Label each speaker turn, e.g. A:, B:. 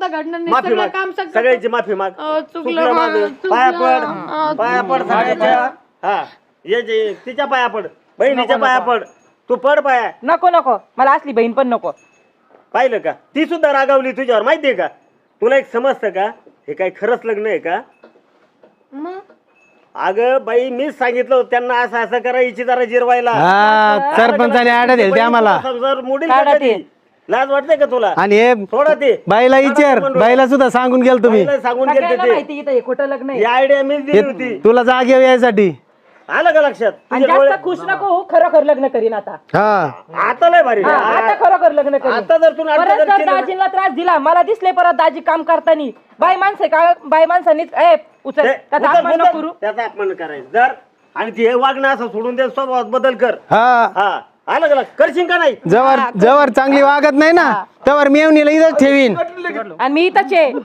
A: आता घडणार नाही.
B: माफी
A: सगळं
B: माग
A: काम सगळं
B: सगळ्याची माफी माग
A: चुकलं
B: चुकलं माझं.
A: चुकलं.
B: पाया पड सगळ्याच्या. हा ये जे तिच्या पाया पड बहिणीच्या पाया पड तू पड पाया.
C: नको नको मला असली बहीण पण नको.
B: पाहिलं का ती सुद्धा रागावली तुझ्यावर माहितीये का. तुला एक समजतं का हे काय खरंच लग्न आहे का.
A: मग
B: अगं बाई मीच सांगितलं होतं त्यांना असं असं करा हिची जरा जिरवायला.
D: हा सरपंचाने आड्या दिली आम्हाला.
B: जर मोडील का कधी? लाज वाटते का तुला.
D: आणि हे
B: थोडं ते
D: बाईला विचार बाईला सुद्धा सांगून गेल तुम्ही.
B: बाईला सांगून गेलते
C: सगळ्यांना
B: ते
C: माहिती इथं हे खोटं लग्न आहे.
B: ही आयडिया मीच दिली होती.
D: तुला जागे यायसाठी.
B: आलं का लक्षात
C: आणि
B: तुझ्या
C: जास्त खुश नको होऊ, खरोखर लग्न करीन आता.
D: हा
B: आता लय भारी.
C: हा, आता खरोखर लग्न करीन.
B: आता जर तू नाटकं
C: परत
B: जर
C: जर
B: केलं ना-
C: दाजींना त्रास दिला मला दिसले परत दाजी काम करतानी बाई माणसं का बाई माणसांनीच उचल
B: ते-
C: त्याचा
B: उचल,
C: अपमान नको
B: उचल.
C: करू.
B: त्याचा अपमान करायचं जर आणि ते वागणं असं सोडून दे स्वभावात बदल कर.
D: हा
B: हा आलं का करशील का नाही.
D: जवळ जवळ चांगली वागत नाही ना तवर मेवणीला इथंच ठेवीन.
C: आणि मी इथंच आहे.